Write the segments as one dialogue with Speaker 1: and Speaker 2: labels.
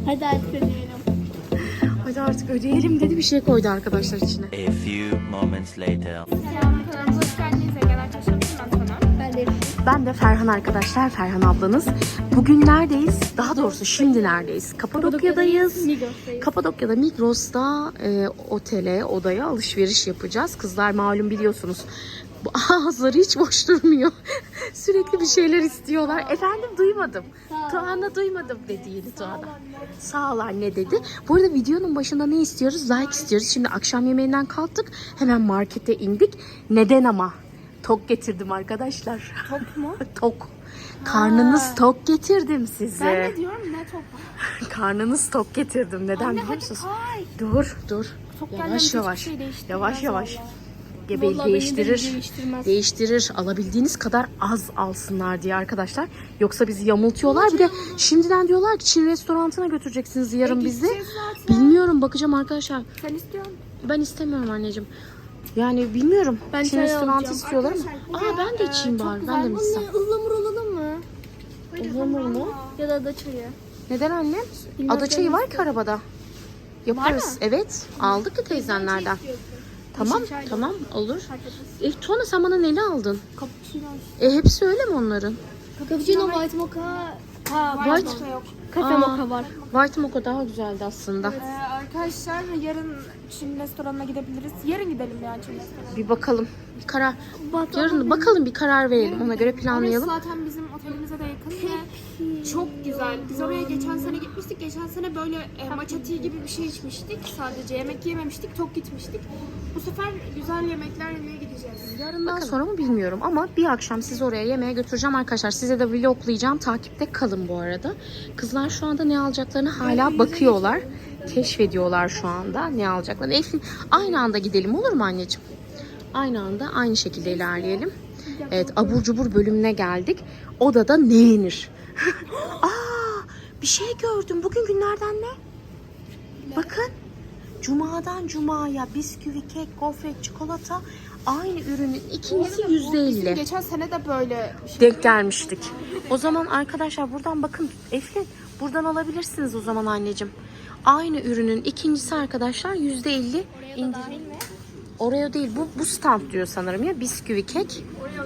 Speaker 1: Hadi artık ödeyelim.
Speaker 2: Hadi artık ödeyelim dedi, bir şey koydu arkadaşlar içine.
Speaker 3: A few moments later.
Speaker 1: Kanalımıza hoş geldiniz. Ege'den çalışıyorum. Ben de.
Speaker 2: Ben de Ferhan arkadaşlar, Ferhan ablanız. Bugün neredeyiz? Daha doğrusu şimdi neredeyiz? Kapadokya'dayız.
Speaker 1: Migros'tayız.
Speaker 2: Kapadokya'da Migros'ta otele, odaya alışveriş yapacağız. Kızlar malum biliyorsunuz. Bu ağızları hiç boş durmuyor. Sürekli bir şeyler istiyorlar. Efendim duymadım. Tuğan'a duymadım dedi yeni Tuğan'a. Sağ ol anne dedi. Bu arada videonun başında ne istiyoruz? Like istiyoruz. Şimdi akşam yemeğinden kalktık. Hemen markete indik. Neden ama? Tok getirdim arkadaşlar.
Speaker 1: Tok mu?
Speaker 2: Tok. Karnınız tok getirdim size.
Speaker 1: Ben de diyorum ne tok?
Speaker 2: Karnınız tok getirdim. Neden biliyor musunuz?
Speaker 1: Ay.
Speaker 2: Dur.
Speaker 1: Tok
Speaker 2: Yavaş yavaş.
Speaker 1: Şey değiştirmez
Speaker 2: Yavaş yavaş.
Speaker 1: vallahi.
Speaker 2: Gebeği
Speaker 1: Vallahi
Speaker 2: değiştirir.
Speaker 1: beni de değiştirmez.
Speaker 2: Değiştirir. Alabildiğiniz kadar az alsınlar diye arkadaşlar. Yoksa bizi yamultuyorlar. Bir de şimdiden diyorlar ki Çin restoranına götüreceksiniz yarın bizi.
Speaker 1: gideceğiz zaten.
Speaker 2: Bilmiyorum, bakacağım arkadaşlar.
Speaker 1: Sen istiyor musun?
Speaker 2: Ben istemiyorum anneciğim. Yani bilmiyorum.
Speaker 1: Ben
Speaker 2: Çin
Speaker 1: çay
Speaker 2: restoranı
Speaker 1: alacağım.
Speaker 2: istiyorlar ama.
Speaker 1: Arkadaşlar,
Speaker 2: Ben de içeyim bari. Ben de mi içsem?
Speaker 1: Ihlamur alalım mı?
Speaker 2: Ihlamur mu?
Speaker 1: Ya da ada çayı.
Speaker 2: Neden annem?
Speaker 1: Bilmem,
Speaker 2: Ada çayı var ki arabada. Yaparız. Evet. Aldık ya teyzenlerden. Tamam.
Speaker 1: Yeşil çay da
Speaker 2: Tamam. Olur.
Speaker 1: Fark etmez.
Speaker 2: Tuana sen bana neli aldın?
Speaker 1: Cappuccino.
Speaker 2: Hepsi öyle mi onların?
Speaker 1: Cappuccino, white mocha. Ha,
Speaker 2: White-
Speaker 1: mocha yok. Kafe
Speaker 2: Aa.
Speaker 1: mocha var.
Speaker 2: White mocha daha güzeldi aslında.
Speaker 4: Arkadaşlar yarın Çin restoranına gidebiliriz. Yarın gidelim yani Çin restoranına.
Speaker 2: Bir bakalım. Bir karar. Yarın bakalım, bir karar verelim. Ona göre planlayalım.
Speaker 4: Orası zaten bizim otelimize de yakın ve çok güzel. Biz oraya geçen sene gitmiştik. Geçen sene böyle matcha tea gibi bir şey içmiştik. Sadece yemek yememiştik. Tok gitmiştik. Bu sefer güzel yemekler yemeye gideceğiz.
Speaker 2: Yarından sonra mı bilmiyorum ama bir akşam sizi oraya yemeğe götüreceğim arkadaşlar. Size de vloglayacağım. Takipte kalın bu arada. Kızlar şu anda ne alacaklarını hala bakıyorlar. Keşfediyorlar şu anda ne alacaklarını. Eflin, aynı anda gidelim olur mu anneciğim? Aynı anda aynı şekilde ilerleyelim. Evet, abur cubur bölümüne geldik. Odada ne yenir? Aa, bir şey gördüm. Bugün günlerden ne? Bakın. Cumadan cumaya bisküvi, kek, gofret, çikolata aynı ürünün ikincisi %50.
Speaker 4: Geçen sene de böyle
Speaker 2: Denk gelmiştik. O zaman arkadaşlar buradan bakın Eflin, buradan alabilirsiniz o zaman anneciğim. Aynı ürünün ikincisi arkadaşlar %50 indirim. Oraya değil, bu stand diyor sanırım ya, bisküvi, kek.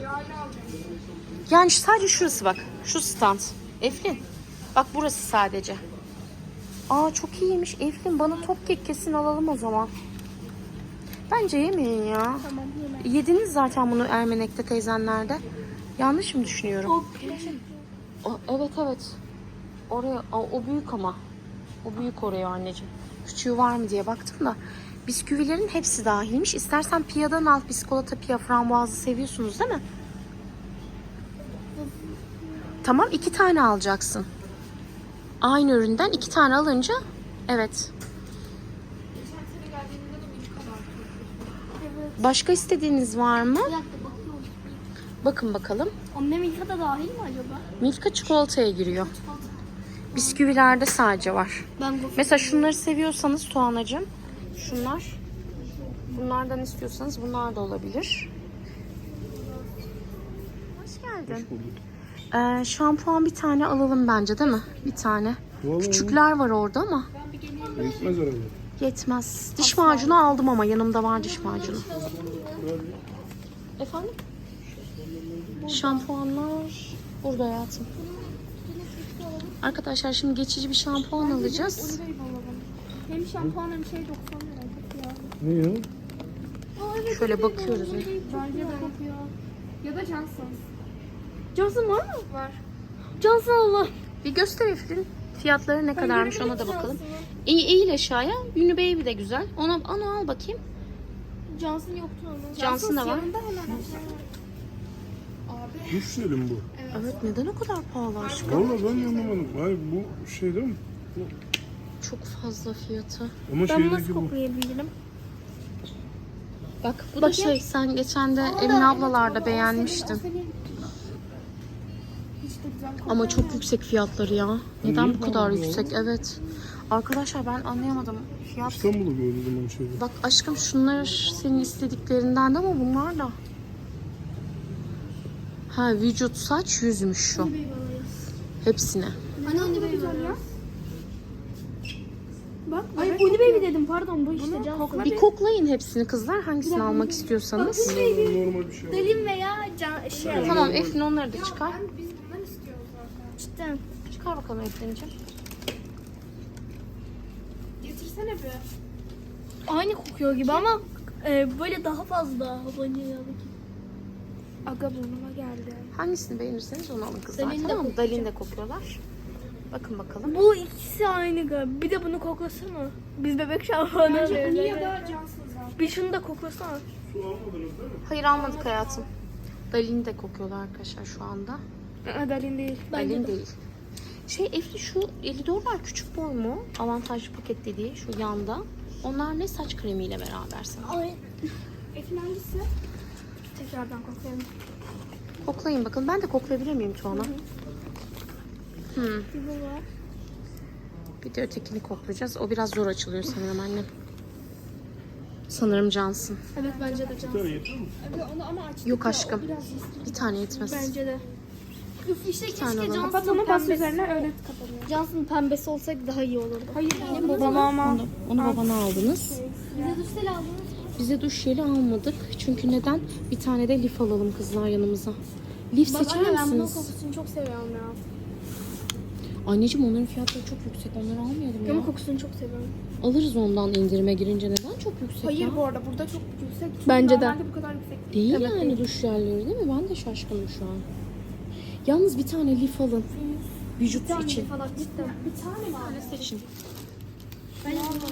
Speaker 2: Yani sadece şurası bak, şu stand. Eflin bak, burası sadece. Aa, çok iyiymiş Eflin, bana top kek kesin alalım o zaman. Bence yemeyin ya.
Speaker 1: Tamam, yeme.
Speaker 2: Yediniz zaten bunu Ermenek'te teyzenlerde. Yanlış mı düşünüyorum? Evet. Oraya o büyük ama. O büyük oraya anneciğim. Küçüğü var mı diye baktım da. Bisküvilerin hepsi dahilmiş. İstersen piyadan al. Biskolata, piya, frambuazı seviyorsunuz değil mi? Tamam, 2 tane alacaksın. Aynı üründen 2 tane alınca evet. Başka istediğiniz var mı?
Speaker 1: Bir dakika bakıyorum.
Speaker 2: Bakın bakalım.
Speaker 1: Anne Milka da dahil mi acaba?
Speaker 2: Milka çikolataya giriyor. Bisküvilerde sadece var.
Speaker 1: Ben gofret.
Speaker 2: Mesela şunları seviyorsanız Tuğanacığım, şunlar. Bunlardan istiyorsanız bunlar da olabilir. Hoş geldin. Şampuan bir tane alalım bence değil mi? Bir tane.
Speaker 5: Vallahi
Speaker 2: Küçükler var orada ama
Speaker 5: yetmez herhalde.
Speaker 2: yetmez. Diş macunu aldım ama yanımda var diş macunu. Efendim? Şampuanlar burada hayatım. Arkadaşlar şimdi geçici bir şampuan alacağız.
Speaker 4: hem şampuan hem şey 90 lira.
Speaker 5: Ne ya?
Speaker 2: Şöyle bakıyoruz.
Speaker 4: Bence de kokuyor. Ya da Johnson's.
Speaker 1: Johnson var mı?
Speaker 4: Var.
Speaker 1: Johnson Allah.
Speaker 2: Bir göster Eflin. Fiyatları ne kadarmış ona da bakalım. Eğil aşağıya. Unibaby de güzel. Onu al bakayım.
Speaker 1: Johnson yoktu onun.
Speaker 2: Johnson da var.
Speaker 4: Yanında hemen.
Speaker 5: Duş selim bu.
Speaker 2: Evet, neden o kadar pahalı aşkım?
Speaker 5: Vallahi ben de anlamadım. Hayır bu şey değil mi?
Speaker 2: Çok fazla fiyatı.
Speaker 5: Ama
Speaker 1: Ben nasıl
Speaker 5: şeydeki bu.
Speaker 1: koklayabilirim?
Speaker 2: Bak bu da şey, sen geçen de Emin ablalarda beğenmiştin.
Speaker 4: Hiç de güzel kokuyor.
Speaker 2: Ama çok yüksek fiyatları ya. Neden bu kadar
Speaker 5: pahalı ya?
Speaker 2: yüksek? Evet. Arkadaşlar ben anlayamadım. Fiyat.
Speaker 5: İstanbul'u gördüm ben şeyde.
Speaker 2: Bak aşkım, şunlar senin istediklerinden de ama bunlar da. Ha, vücut, saç, yüzmüş şu. Hepsine.
Speaker 1: Anne anne güzel ya.
Speaker 4: Bak.
Speaker 6: Ay Bunny Baby dedim pardon bu işte Cansu.
Speaker 4: kokla
Speaker 2: Bir koklayın hepsini kızlar. Hangisini almak istiyorsanız.
Speaker 5: Normal bir şey var.
Speaker 6: Dalim veya şey.
Speaker 2: Tamam Eflin onları da çıkar.
Speaker 4: Biz bundan istiyoruz zaten.
Speaker 6: Cidden.
Speaker 2: Çıkar bakalım Eflin'ciğim.
Speaker 4: Getirsene bir.
Speaker 6: Aynı kokuyor gibi ama böyle daha fazla vanilyalı gibi.
Speaker 4: Aga burnuma geldi.
Speaker 2: Hangisini beğenirseniz onu alın kızlar.
Speaker 6: Dalin de
Speaker 2: Tamam mı? Dalin de kokuyorlar. Bakın bakalım.
Speaker 6: Bu ikisi aynı galiba. Bir de bunu koklasana. Biz bebek şampuanı
Speaker 4: Niye
Speaker 6: alıyoruz.
Speaker 4: ya da cansız zaten.
Speaker 6: Bir şunu da koklasana.
Speaker 5: Su almadınız değil mi?
Speaker 2: Hayır almadık hayatım. Dalin de kokuyorlar arkadaşlar şu anda.
Speaker 4: Adalin değil.
Speaker 2: Dalin değil. Efli şu 50 dolar küçük boy mu? Avantajlı paket dediği şu yanda. Onlar ne saç kremiyle beraber sana.
Speaker 6: Ay.
Speaker 4: Efendim hangisi?
Speaker 6: Tekrardan koklayalım.
Speaker 2: Koklayın bakalım. Ben de koklayabilir miyim Tuana?
Speaker 6: Bu var.
Speaker 2: Bir de ötekini koklayacağız. O biraz zor açılıyor sanırım annem. Sanırım Cansın.
Speaker 6: Evet bence de Cansu.
Speaker 5: Bir tane yeter mi?
Speaker 4: Onu ama aç.
Speaker 2: Yok aşkım. Bir tane yetmez.
Speaker 6: Bence de. Üf işte
Speaker 2: tane
Speaker 6: keşke
Speaker 2: alalım.
Speaker 4: Kapat
Speaker 6: Cansu'nun
Speaker 4: onu bas
Speaker 6: pembesi.
Speaker 4: üzerine öyle kapanıyor.
Speaker 6: Cansu'nun pembesi olsaydı daha iyi olurdu.
Speaker 4: Hayır babama.
Speaker 2: Onu babana aldınız.
Speaker 6: Bize düşsel aldınız.
Speaker 2: Bize duş jeli almadık. Çünkü neden? Bir tane de lif alalım kızlar yanımıza. Lif
Speaker 6: Bak
Speaker 2: seçer
Speaker 6: anne ben bunun
Speaker 2: misiniz?
Speaker 6: kokusunu çok seviyorum ya.
Speaker 2: Anneciğim onların fiyatları çok yüksek. Onları almayalım ya.
Speaker 6: Ama kokusunu çok seviyorum.
Speaker 2: Alırız ondan indirime girince. Neden çok yüksek
Speaker 4: Hayır
Speaker 2: ya?
Speaker 4: bu arada burada çok yüksek. Çünkü
Speaker 6: Bence de.
Speaker 4: normalde bu kadar yüksek
Speaker 2: Değil
Speaker 4: Evet,
Speaker 2: yani
Speaker 4: değil.
Speaker 2: duş jelleri değil mi? Ben de şaşkınım şu an. Yalnız bir tane lif alın. Vücut için.
Speaker 6: Falan cidden.
Speaker 4: Bir tane mi aldın?
Speaker 2: Seçin.
Speaker 6: Ben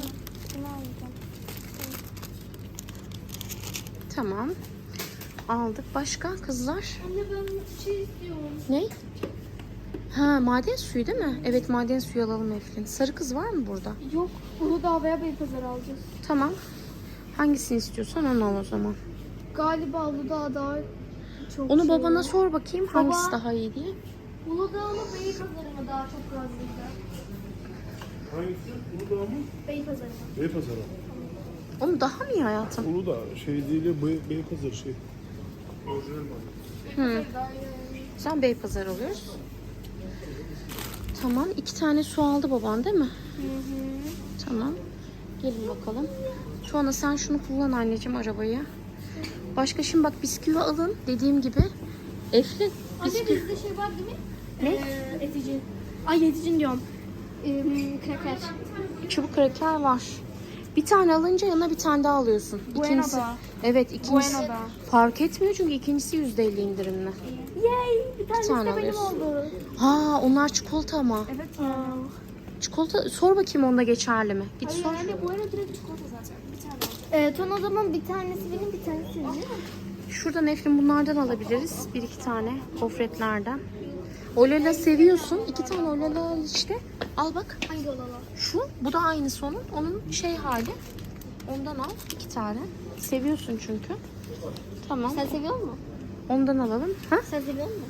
Speaker 2: Tamam. Aldık. Başka kızlar?
Speaker 6: Anne ben şey istiyorum.
Speaker 2: Ne? Ha maden suyu değil mi? Evet maden suyu alalım Eflin. Sarı kız var mı burada?
Speaker 6: Yok. Uludağ veya Beypazarı alacağız.
Speaker 2: Tamam. Hangisini istiyorsan onu al o zaman.
Speaker 6: Galiba Uludağ daha çok
Speaker 2: Onu
Speaker 6: şey
Speaker 2: babana
Speaker 6: var.
Speaker 2: sor bakayım
Speaker 6: Baba.
Speaker 2: hangisi daha iyi diye.
Speaker 6: Uludağ mı Beypazarı mı daha çok razıydı?
Speaker 5: Hangisi? Uludağ mı?
Speaker 6: Beypazarı mı?
Speaker 5: Beypazarı.
Speaker 2: Onu daha mı iyi hayatım?
Speaker 5: Uludağ şey değil ya Beypazarı şey. Orijinal mi?
Speaker 2: Sen Beypazarı alıyoruz. Tamam. 2 tane su aldı baban değil mi? Tamam. Gelin bakalım. Tuana sen şunu kullan anneciğim arabayı. Başka şimdi bak bisküvi alın. Dediğim gibi. Eflin.
Speaker 6: Anne
Speaker 2: Bisküvi.
Speaker 6: bizde şey var değil mi?
Speaker 2: Ne?
Speaker 6: Eticin. Ay eticin diyorum. Kraker.
Speaker 2: Çubuk kraker var. Bir tane alınca yanına bir tane daha alıyorsun. İkincisi.
Speaker 4: Bueno'da.
Speaker 2: Evet ikincisi.
Speaker 4: Bueno'da.
Speaker 2: Fark etmiyor çünkü ikincisi %50 indirimli.
Speaker 6: Yay! Bir tanesi
Speaker 2: tane
Speaker 6: de benim
Speaker 2: alıyorsun.
Speaker 6: oldu.
Speaker 2: Ha onlar çikolata ama.
Speaker 4: Evet ya.
Speaker 2: Çikolata sor bakayım onda geçerli mi? Git sor.
Speaker 4: Yani bu arada direkt çikolata zaten. Bir tane alacağım.
Speaker 6: Ton o zaman bir tanesi benim bir tanesi senin değil mi?
Speaker 2: Şuradan Eflin bunlardan alabiliriz. 1-2 tane gofretlerden. Olala seviyorsun. 2 tane olala işte. Al bak.
Speaker 6: Hangi olala?
Speaker 2: Şu. Bu da aynısı onun. Onun şey hali. Ondan al 2 tane. Seviyorsun çünkü. Tamam.
Speaker 6: Sen seviyor musun?
Speaker 2: Ondan alalım. Ha?
Speaker 6: Sen seviyor musun?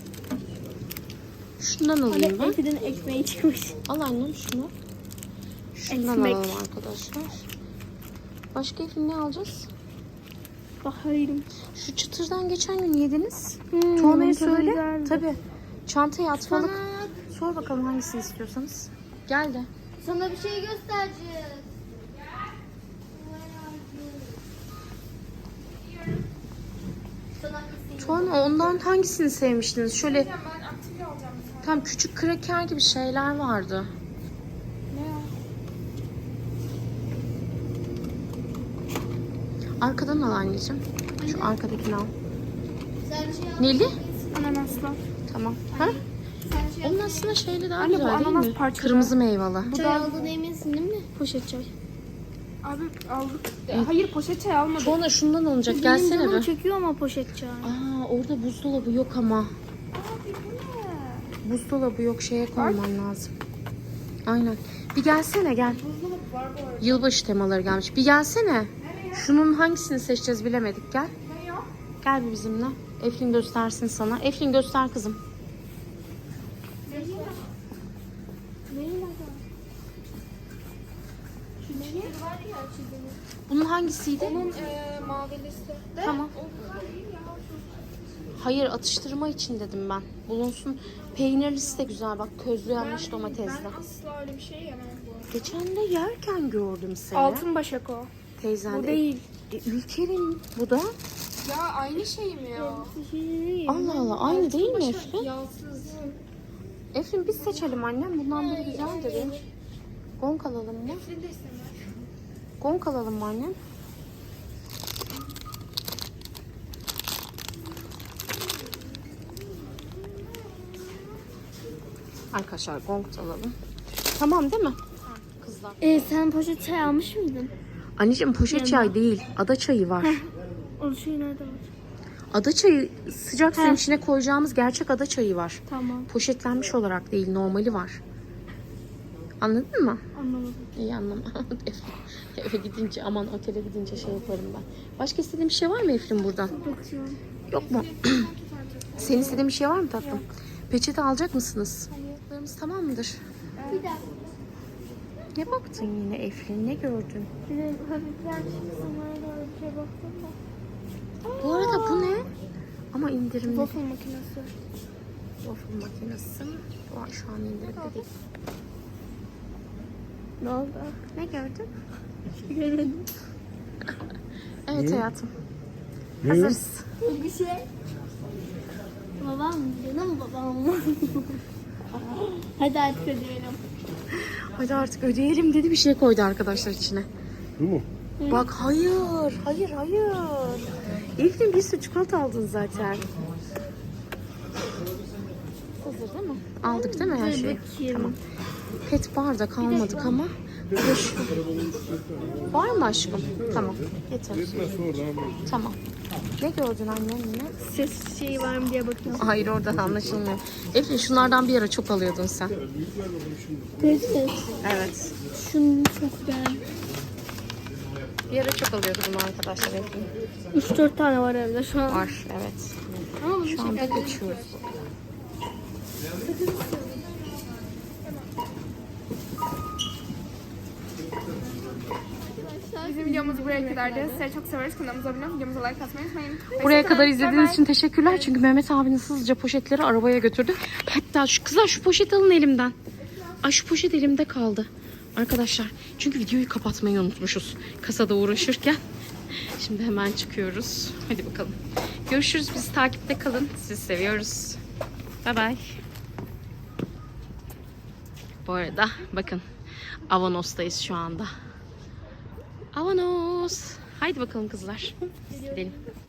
Speaker 2: Şundan alayım ben.
Speaker 6: Efe'nin ekmeği çıkmış.
Speaker 2: Al annem şunu. Şundan
Speaker 6: Ekmek.
Speaker 2: alalım arkadaşlar. Başka Eflin ne alacağız?
Speaker 6: Bakayım.
Speaker 2: Şu çıtırdan geçen gün yediniz.
Speaker 6: onun
Speaker 2: Tuana'ya
Speaker 6: tadı
Speaker 2: söyle.
Speaker 6: güzeldi.
Speaker 2: Tabii. Çantaya atmalık.
Speaker 6: Sana,
Speaker 2: Sor bakalım hangisini istiyorsanız. Gel de.
Speaker 6: sana bir şey göstereceğiz. Sana
Speaker 2: Tuana ondan hangisini sevmiştiniz? Şöyle
Speaker 4: Ben aktifli alacağım bir tane.
Speaker 2: tam küçük kraker gibi şeyler vardı.
Speaker 4: Ne ya?
Speaker 2: Arkadan al anneciğim. Şu arkadakini al.
Speaker 6: sen şey al.
Speaker 2: Neli?
Speaker 4: Ananaslı.
Speaker 2: Tamam. Ha?
Speaker 6: Sen şey al.
Speaker 2: Onun aslında şeyli daha
Speaker 4: Anne, bu
Speaker 2: güzel değil
Speaker 4: ananas
Speaker 2: mi?
Speaker 4: parçalı.
Speaker 2: Kırmızı meyveli.
Speaker 6: Çay aldığına eminsin değil mi? Poşet çay.
Speaker 4: Abi aldık. Hayır poşet çay almadık.
Speaker 2: Tuana şundan alınacak.
Speaker 6: Benim
Speaker 2: Gelsene
Speaker 6: canım
Speaker 2: bir.
Speaker 6: çekiyor ama poşet çay.
Speaker 2: Aa orada buzdolabı yok ama.
Speaker 4: Abi bu ne?
Speaker 2: Buzdolabı yok şeye koyman lazım. Aynen. Bir gelsene gel.
Speaker 4: Buzdolabı var bu arada.
Speaker 2: Yılbaşı temaları gelmiş. Bir gelsene. Şunun hangisini seçeceğiz bilemedik. Gel.
Speaker 4: Ne ya?
Speaker 2: Gel bir bizimle. Eflin göstersin sana. Eflin göster kızım.
Speaker 6: Var ya çizimi.
Speaker 2: Bunun hangisiydi?
Speaker 4: Onun mavilisi.
Speaker 2: Tamam. Hayır, atıştırma için dedim ben. Bulunsun. Peynirlisi de güzel bak, közlenmiş domatesle.
Speaker 4: Ben asla öyle bir şey yemem bu arada.
Speaker 2: Geçen de yerken gördüm seni.
Speaker 4: Altın başak o.
Speaker 2: Teyzen
Speaker 4: Bu
Speaker 2: de.
Speaker 4: değil.
Speaker 2: Ülker'in bu da.
Speaker 4: Ya aynı şey mi ya?
Speaker 2: Allah Allah, aynı değil mi
Speaker 4: Başak
Speaker 2: Eflin?
Speaker 4: yağsız.
Speaker 2: Eflin biz seçelim annem. Bundan biri güzeldir ya. Gonk alalım mı?
Speaker 4: Eflin de istemez.
Speaker 2: Gonk alalım mı annem? Arkadaşlar gonk da alalım. Tamam değil mi? Kızlar.
Speaker 6: Sen poşet çay almış mıydın?
Speaker 2: Anneciğim poşet çay değil. Ada çayı var.
Speaker 6: O şey nerede var?
Speaker 2: Ada çayı sıcak suyun içine koyacağımız gerçek ada çayı var.
Speaker 6: Tamam,
Speaker 2: Poşetlenmiş olarak değil, normali var. Anladın mı?
Speaker 6: anlamadım.
Speaker 2: İyi anlamadım. Eve gidince, aman otele gidince şey yaparım ben. Başka istediğin bir şey var mı Eflin buradan?
Speaker 6: Bakıyorum.
Speaker 2: Yok mu? Senin istediğin bir şey var mı tatlım? Peçete alacak mısınız? Ayaklarımız tamam mıdır?
Speaker 6: Bir dakika.
Speaker 2: Ne baktın yine Eflin? Ne gördün?
Speaker 6: Bir de hafifler çıksın. Öyle bir şey baktım da.
Speaker 2: Bu arada bu ne? Ama indirimli.
Speaker 6: Waffle makinesi.
Speaker 2: Waffle makinesi. Şu an indirimde değil.
Speaker 6: Ne oldu?
Speaker 2: Ne gördün?
Speaker 6: Görmedim.
Speaker 2: Evet hayatım.
Speaker 5: Ne?
Speaker 2: Hazırız.
Speaker 6: Bir şey. Babam mı? Benim babam mı? Hadi artık ödeyelim.
Speaker 2: Hadi artık ödeyelim dedi, bir şey koydu arkadaşlar içine.
Speaker 5: Bu mu?
Speaker 2: Bak hayır. Eflin bir sürü çikolata aldın zaten. Hazır değil mi? Aldık değil mi her şeyi?
Speaker 6: Bakayım.
Speaker 2: Tamam. Pet bardak almadık ama. Bir de şu. Var mı aşkım? Tamam. Getir.
Speaker 5: Yetmez sonra.
Speaker 2: Tamam. Ne gördün annem yine?
Speaker 6: Ses şeyi var mı diye bakıyorum.
Speaker 2: Hayır, oradan anlaşılmıyor. Eflin şunlardan bir ara çok alıyordun sen.
Speaker 6: Ses.
Speaker 2: Evet.
Speaker 6: Şunu çok beğendim.
Speaker 2: Bir ara çok alıyordu bunu arkadaşlar Eflin.
Speaker 6: 3-4 tane var evde şu an.
Speaker 2: Var evet.
Speaker 6: Ama bunu
Speaker 2: Şu anda geçiyoruz.
Speaker 4: Bizim videomuz buraya kadardı. Sizleri çok severiz. Kanalımıza abone olup videomuza like atmayı unutmayın.
Speaker 2: Buraya
Speaker 4: Hoşça
Speaker 2: kadar
Speaker 4: kalın.
Speaker 2: izlediğiniz
Speaker 4: Bay bay.
Speaker 2: için teşekkürler. Çünkü Mehmet abinin hızlıca poşetleri arabaya götürdü. Hatta şu kızlar şu poşet alın elimden. Ay şu poşet elimde kaldı. Arkadaşlar çünkü videoyu kapatmayı unutmuşuz. Kasada uğraşırken. Şimdi hemen çıkıyoruz. Hadi bakalım. Görüşürüz. Bizi takipte kalın. Sizi seviyoruz. Bay bay. Bu arada bakın Avanos'tayız şu anda. Avanos. Haydi bakalım kızlar. Gidelim.